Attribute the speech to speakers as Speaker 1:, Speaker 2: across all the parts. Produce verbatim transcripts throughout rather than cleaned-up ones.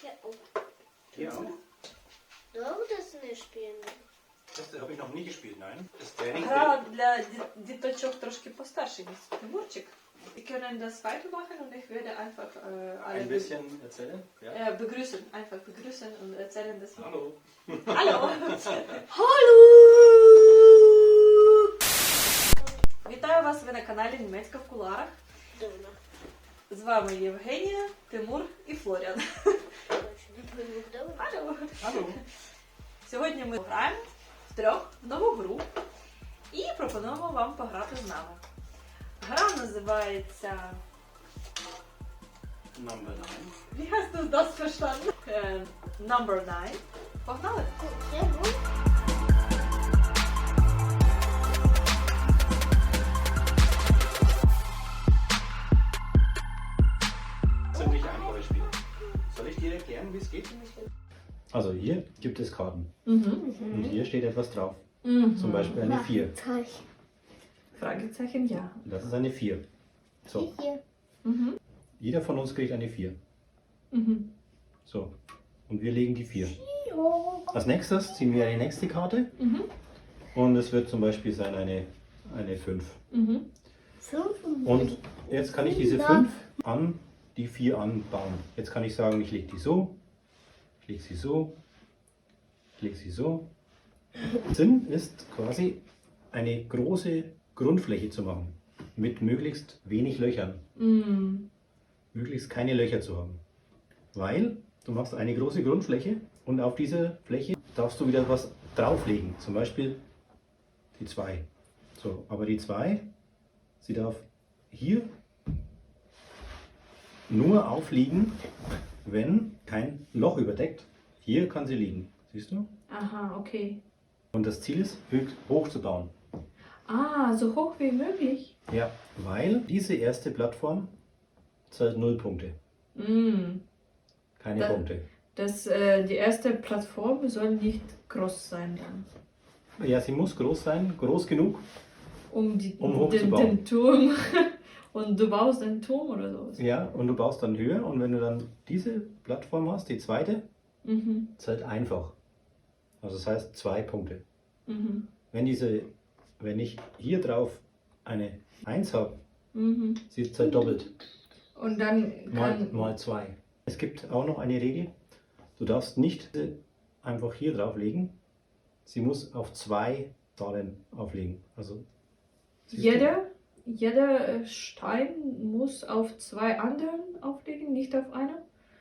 Speaker 1: Hier auch?
Speaker 2: Doch, das не spielen.
Speaker 1: Das habe ich noch nie gespielt, nein. Das Training.
Speaker 3: Гра для ді- діточок трошки постарше, ніж Тимурчик. Wir können das weitermachen und ich werde einfach äh, alle
Speaker 1: Ein bisschen erzählen. Ja.
Speaker 3: äh, begrüßen, einfach begrüßen und erzählen, dass wir...
Speaker 1: Hallo.
Speaker 3: Hallo!
Speaker 2: Hallo!
Speaker 3: Вітаю вас, ви на каналі Німецька в куларах.
Speaker 2: Дома.
Speaker 3: З вами Євгенія, Тимур і Флоріан.
Speaker 2: Дома.
Speaker 3: Алло!
Speaker 1: Hallo.
Speaker 3: Сьогодні ми граємо втрьох в нову гру і пропонуємо вам пограти з нами. Гра називається...
Speaker 1: Number nine.
Speaker 3: Wie hast du das verstanden? Е, Number nine. Погнали?
Speaker 2: Sehr gut.
Speaker 1: Ziemlich einfaches Spiel. Soll ich dir erklären, wie es geht? Also hier gibt es Karten.
Speaker 3: Mhm.
Speaker 1: Und hier steht etwas drauf.
Speaker 3: Mhm.
Speaker 1: Zum Beispiel eine vier.
Speaker 2: Zeichen.
Speaker 3: Fragezeichen ja.
Speaker 1: Das ist eine vier. So,
Speaker 2: Hier.
Speaker 3: Mhm.
Speaker 1: jeder von uns kriegt eine vier.
Speaker 3: Mhm.
Speaker 1: So, und wir legen die vier.
Speaker 2: Jo.
Speaker 1: Als nächstes ziehen wir eine nächste Karte.
Speaker 3: Mhm.
Speaker 1: Und es wird zum Beispiel sein eine, eine fünf.
Speaker 3: Mhm.
Speaker 2: Fünf.
Speaker 1: Und jetzt kann ich diese fünf an die vier anbauen. Jetzt kann ich sagen, ich lege die so, ich lege sie so, ich lege sie so. Sinn ist quasi eine große Grundfläche zu machen. Mit möglichst wenig Löchern.
Speaker 3: Mhm.
Speaker 1: Möglichst keine Löcher zu haben. Weil du machst eine große Grundfläche und auf dieser Fläche darfst du wieder was drauflegen. Zum Beispiel die zwei. So, aber die zwei, sie darf hier nur aufliegen, wenn kein Loch überdeckt. Hier kann sie liegen. Siehst du?
Speaker 3: Aha, okay.
Speaker 1: Und das Ziel ist, höchst hoch zu bauen.
Speaker 3: Ah, so hoch wie möglich.
Speaker 1: Ja, weil diese erste Plattform zählt null Punkte.
Speaker 3: Mhm.
Speaker 1: Keine
Speaker 3: Da-
Speaker 1: Punkte.
Speaker 3: Das, äh, die erste Plattform soll nicht groß sein dann.
Speaker 1: Ja, sie muss groß sein, groß genug.
Speaker 3: Um, die,
Speaker 1: Um
Speaker 3: den,
Speaker 1: hochzubauen.
Speaker 3: den Turm. Und du baust einen Turm oder so.
Speaker 1: Ja, und du baust dann höher und wenn du dann diese Plattform hast, die zweite,
Speaker 3: Mhm.
Speaker 1: zählt einfach. Also das heißt zwei Punkte.
Speaker 3: Mhm.
Speaker 1: Wenn diese, wenn ich hier drauf eine eins habe,
Speaker 3: Mhm.
Speaker 1: sie zählt doppelt.
Speaker 3: Und dann
Speaker 1: Mal,
Speaker 3: kann...
Speaker 1: mal zwei. Es gibt auch noch eine Regel. Du darfst nicht einfach hier drauflegen. Sie muss auf zwei Zahlen auflegen. Also siehst du?
Speaker 3: Jeder, jeder äh, Stein muss auf zwei anderen auflegen, nicht auf einer?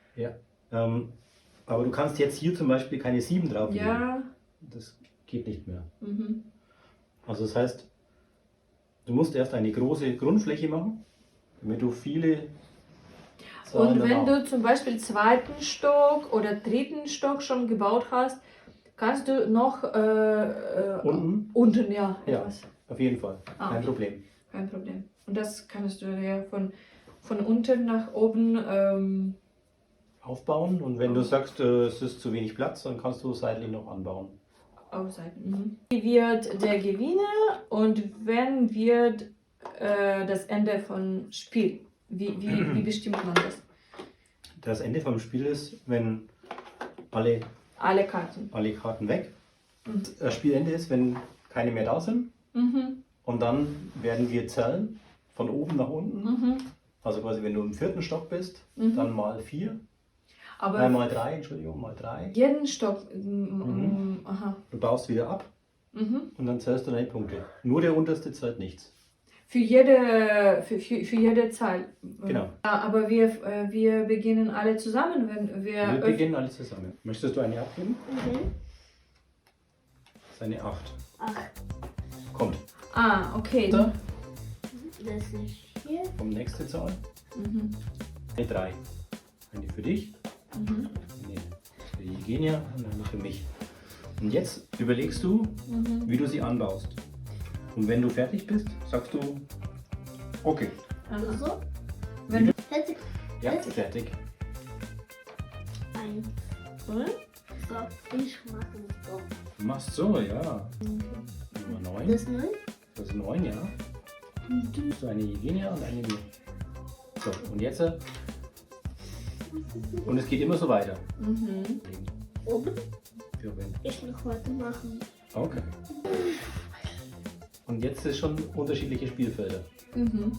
Speaker 1: Ähm, aber du kannst jetzt hier zum Beispiel keine sieben drauflegen.
Speaker 3: Ja.
Speaker 1: Das geht nicht mehr.
Speaker 3: Mhm.
Speaker 1: Also das heißt, du musst erst eine große Grundfläche machen, damit du viele Zahlen
Speaker 3: Und wenn
Speaker 1: dann
Speaker 3: du zum Beispiel zweiten Stock oder dritten Stock schon gebaut hast, kannst du noch äh, äh,
Speaker 1: unten,
Speaker 3: unten ja,
Speaker 1: Ja.
Speaker 3: etwas.
Speaker 1: auf jeden Fall,
Speaker 3: Ah,
Speaker 1: kein
Speaker 3: okay.
Speaker 1: Problem.
Speaker 3: Kein Problem. Und das kannst du ja von, von unten nach oben. Ähm,
Speaker 1: Aufbauen und wenn du sagst, äh, es ist zu wenig Platz, dann kannst du seitlich noch anbauen.
Speaker 3: Ausseiten. Mhm. Wie wird der Gewinner und wann wird äh, das Ende von Spiel? Wie, wie, wie bestimmt man das?
Speaker 1: Das Ende vom Spiel ist, wenn alle,
Speaker 3: Alle Karten.
Speaker 1: alle Karten weg.
Speaker 3: Mhm.
Speaker 1: Das Spielende ist, wenn keine mehr da sind
Speaker 3: Mhm.
Speaker 1: und dann werden wir zählen von oben nach unten.
Speaker 3: Mhm.
Speaker 1: Also quasi, wenn du im vierten Stock bist,
Speaker 3: Mhm.
Speaker 1: dann mal vier,
Speaker 3: Aber
Speaker 1: äh, mal drei, Entschuldigung, mal drei.
Speaker 3: jeden Stock. Mm,
Speaker 1: Mhm.
Speaker 3: mm, aha.
Speaker 1: Du baust wieder ab
Speaker 3: Mhm.
Speaker 1: und dann zählst du deine Punkte. Nur der unterste zählt nichts.
Speaker 3: Für jede, für, für, für jede Zahl.
Speaker 1: Genau.
Speaker 3: Ja, aber wir, äh, wir beginnen alle zusammen, wenn wir.
Speaker 1: Wir
Speaker 3: öff-
Speaker 1: beginnen alle zusammen. Möchtest du eine abgeben?
Speaker 2: Mhm.
Speaker 1: Das ist eine acht.
Speaker 2: Ach,
Speaker 1: Kommt.
Speaker 3: Ah, okay.
Speaker 1: Da,
Speaker 2: das ist hier.
Speaker 1: kommt nächste Zahl.
Speaker 3: Mhm.
Speaker 1: Eine drei. Eine für dich,
Speaker 3: Mhm.
Speaker 1: eine für die Eugenia und eine für mich. Und jetzt überlegst du,
Speaker 3: Mhm.
Speaker 1: wie du sie anbaust. Und wenn du fertig bist, sagst du, okay,
Speaker 3: Aha.
Speaker 2: So.
Speaker 3: Wenn du,
Speaker 2: Fertig.
Speaker 1: ja,
Speaker 2: Fertig.
Speaker 1: fertig.
Speaker 2: Eins.
Speaker 3: oder?
Speaker 2: So. Ich mache so.
Speaker 1: Du machst so, ja. Nummer neun.
Speaker 2: Das neun.
Speaker 1: Das ist neun, ja.
Speaker 2: Und du.
Speaker 1: So eine Eugenia und eine mir. So, und jetzt äh, Und es geht immer so weiter.
Speaker 3: Mhm.
Speaker 2: Oben.
Speaker 1: Ja, wenn-
Speaker 2: Ich noch weitermachen.
Speaker 1: Okay. Und jetzt ist schon unterschiedliche Spielfelder.
Speaker 3: Mhm.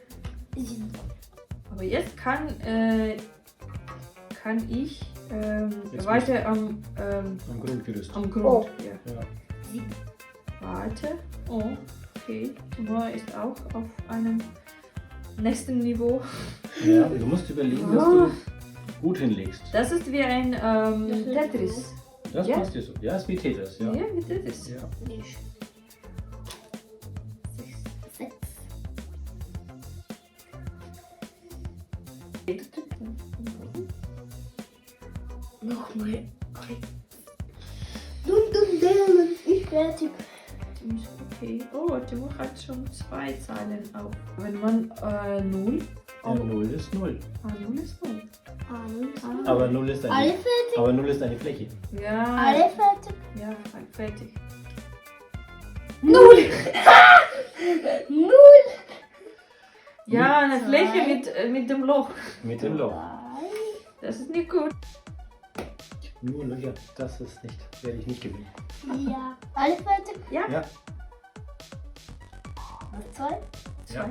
Speaker 3: Aber jetzt kann, äh, kann ich ähm,
Speaker 1: Jetzt
Speaker 3: weiter am, ähm,
Speaker 1: Am Grundgerüst.
Speaker 3: am Grund.
Speaker 2: Oh.
Speaker 3: Ja.
Speaker 1: Ja.
Speaker 3: Warte. Oh, okay. Timur ist auch auf einem nächsten Niveau.
Speaker 1: Ja, du musst überlegen, dass du gut hinlegst.
Speaker 3: Das ist wie ein ähm,
Speaker 2: Das ist
Speaker 3: Tetris.
Speaker 1: Das
Speaker 3: Ja.
Speaker 1: passt dir so. Ja, ist wie Tetris, ja.
Speaker 3: Ja, wie Tetris.
Speaker 1: Ja.
Speaker 2: Nicht. Sechs. Sechs. Nochmal. Dum dum dum. Ich fertig.
Speaker 3: Okay. Oh, Timur hat schon zwei Zahlen auf. Wenn man äh, null.
Speaker 1: Ja, null ist null.
Speaker 3: Ah, null ist null.
Speaker 2: Alles.
Speaker 1: Aber null ist
Speaker 2: Alle
Speaker 1: eine,
Speaker 2: fertig.
Speaker 1: aber null ist eine Fläche.
Speaker 3: Ja.
Speaker 2: Alle fertig.
Speaker 3: Ja, fertig.
Speaker 2: Null. Null.
Speaker 3: Ja, eine
Speaker 2: Zwei.
Speaker 3: Fläche mit, äh, mit dem Loch.
Speaker 1: Mit dem Loch.
Speaker 2: Drei.
Speaker 3: Das ist nicht gut.
Speaker 1: Nur Löcher, das ist nicht, werde ich nicht gewinnen.
Speaker 2: Ja. Alle fertig.
Speaker 3: Ja.
Speaker 1: Ja.
Speaker 2: Noch zwei.
Speaker 1: Ja.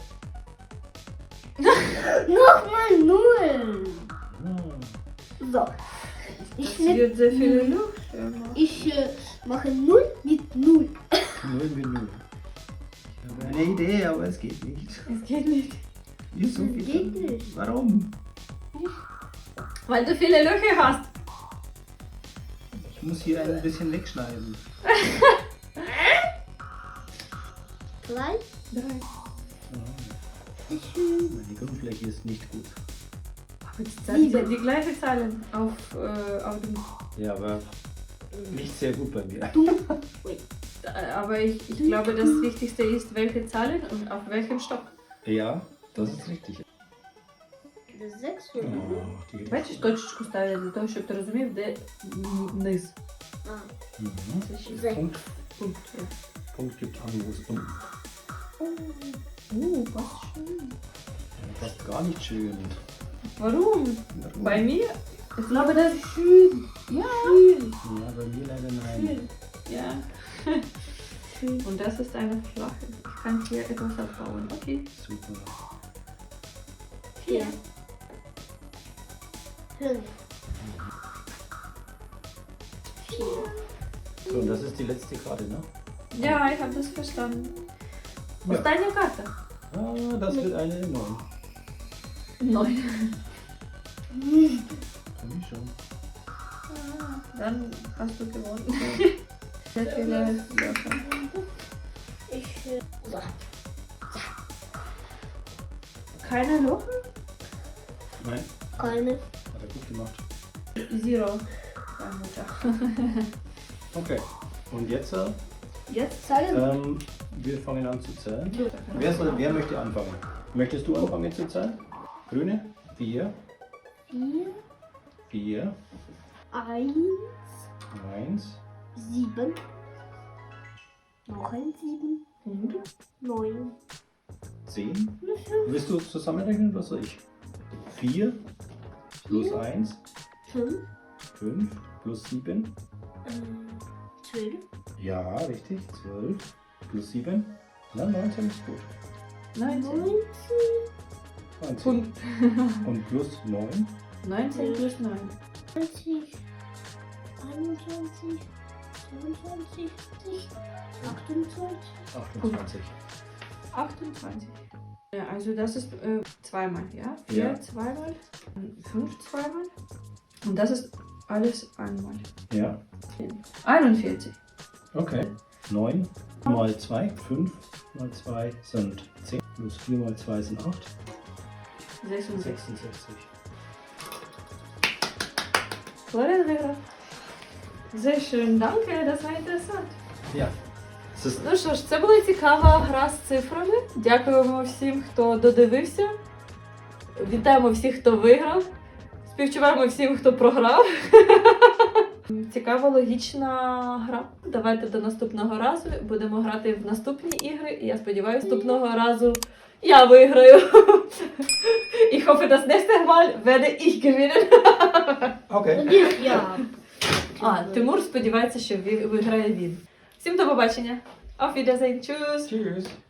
Speaker 2: Nochmal null.
Speaker 1: Hm.
Speaker 2: So. Ich,
Speaker 3: Es
Speaker 2: nehm-
Speaker 3: wird sehr viele Luft.
Speaker 2: ich äh, mache null mit null.
Speaker 1: Null mit null. Ich habe eine Idee, aber es geht nicht.
Speaker 3: Es geht nicht.
Speaker 1: Ist so
Speaker 2: Das
Speaker 1: viel.
Speaker 2: geht nicht.
Speaker 1: Warum?
Speaker 3: Weil du viele Löcher hast.
Speaker 1: Ich muss hier ein bisschen wegschneiden.
Speaker 2: Drei.
Speaker 3: Drei.
Speaker 2: Schön.
Speaker 1: Meine Grundfläche ist nicht gut.
Speaker 3: Aber die, Zahlen sind die gleichen Zahlen auf, äh, auf dem.
Speaker 1: Ja, aber nicht sehr gut bei mir.
Speaker 3: Äh, Aber ich, ich glaube, das Wichtigste ist, welche Zahlen und auf welchem Stock.
Speaker 1: Ja, das ist richtig.
Speaker 2: Sechs.
Speaker 1: Oh, die
Speaker 3: Бачиш, точечку ставлять для того, щоб ти розумів, де м, низ.
Speaker 2: Ah.
Speaker 1: Mhm.
Speaker 3: Це ще
Speaker 2: Sechs.
Speaker 1: Punkt,
Speaker 3: пункт. є.
Speaker 1: Punkt gibt an, wo es unten.
Speaker 3: Uh, passt schön.
Speaker 1: Ja, passt gar nicht schön.
Speaker 3: Warum?
Speaker 1: Warum?
Speaker 3: Bei mir? Ich glaube, das ist schön. Ja. Schön.
Speaker 1: Ja, bei mir leider nein.
Speaker 3: Schön. Ja. Schön. Und das ist eine flache. Ich kann hier etwas abbauen. Okay.
Speaker 1: Super.
Speaker 2: Vier. Fünf. Vier.
Speaker 1: So, und das ist die letzte Karte, ne?
Speaker 3: Ja, ich habe das verstanden.
Speaker 1: Ja.
Speaker 3: Остання карта.
Speaker 1: Ah, das wird eine neun.
Speaker 3: Neun.
Speaker 1: Für mich schon.
Speaker 3: Dann hast du gewonnen. Sehr viele Löcher.
Speaker 2: Ich. Äh, so.
Speaker 3: Keine Löcher?
Speaker 1: Nein,
Speaker 2: Keine.
Speaker 1: hat er gut gemacht.
Speaker 3: Zero. Meine Mutter.
Speaker 1: Okay, und jetzt, äh,
Speaker 3: Jetzt
Speaker 2: Zahlen.
Speaker 1: ähm, wir fangen an zu zählen. Wer, soll, wer möchte anfangen? Möchtest du anfangen zu zählen? Grüne? Vier,
Speaker 2: Vier.
Speaker 1: vier,
Speaker 2: Eins.
Speaker 1: eins,
Speaker 2: Sieben. Noch ein sieben.
Speaker 3: Und?
Speaker 2: Neun.
Speaker 1: zehn. Willst du zusammenrechnen oder soll ich? vier plus
Speaker 2: Vier.
Speaker 1: eins,
Speaker 2: Fünf.
Speaker 1: fünf plus sieben.
Speaker 2: Äh, zwölf.
Speaker 1: Ja, richtig. zwölf plus sieben. Na, neunzehn ist gut.
Speaker 3: neunzehn.
Speaker 2: Neunzehn.
Speaker 1: neunzehn.
Speaker 3: Punkt.
Speaker 1: Und plus neun.
Speaker 3: neunzehn plus neun.
Speaker 2: zwanzig. einundzwanzig. zweiundzwanzig. achtundzwanzig.
Speaker 1: achtundzwanzig.
Speaker 3: achtundzwanzig. Ja, also das ist äh, zweimal, ja? Vier
Speaker 1: Ja.
Speaker 3: zweimal, fünf zweimal. Und das ist alles einmal.
Speaker 1: Ja,
Speaker 3: einundvierzig.
Speaker 1: okay. neun mal zwei, fünf mal zwei sind zehn. Plus vier mal zwei sind acht.
Speaker 3: sechsundsechzig.
Speaker 1: sechsundsechzig.
Speaker 3: Florian виграв. Sehr schön, danke, das war interessant.
Speaker 1: Ja. Es ist,
Speaker 3: Ну що ж, це була цікава гра з цифрами. Дякуємо всім, хто додивився. Вітаємо всіх, хто виграв. Співчуваємо всім, хто програв. Цікава логічна гра. Давайте до наступного разу. Будемо грати в наступні ігри. І я сподіваюся, наступного разу Я виграю. Ich hoffe, das nächste Mal werde ich gewinnen.
Speaker 1: Okay.
Speaker 2: Ні, я.
Speaker 3: А, Тимур сподівається, що ви- виграє він. Всім до побачення. Auf Wiedersehen. Tschüss.
Speaker 1: Tschüss.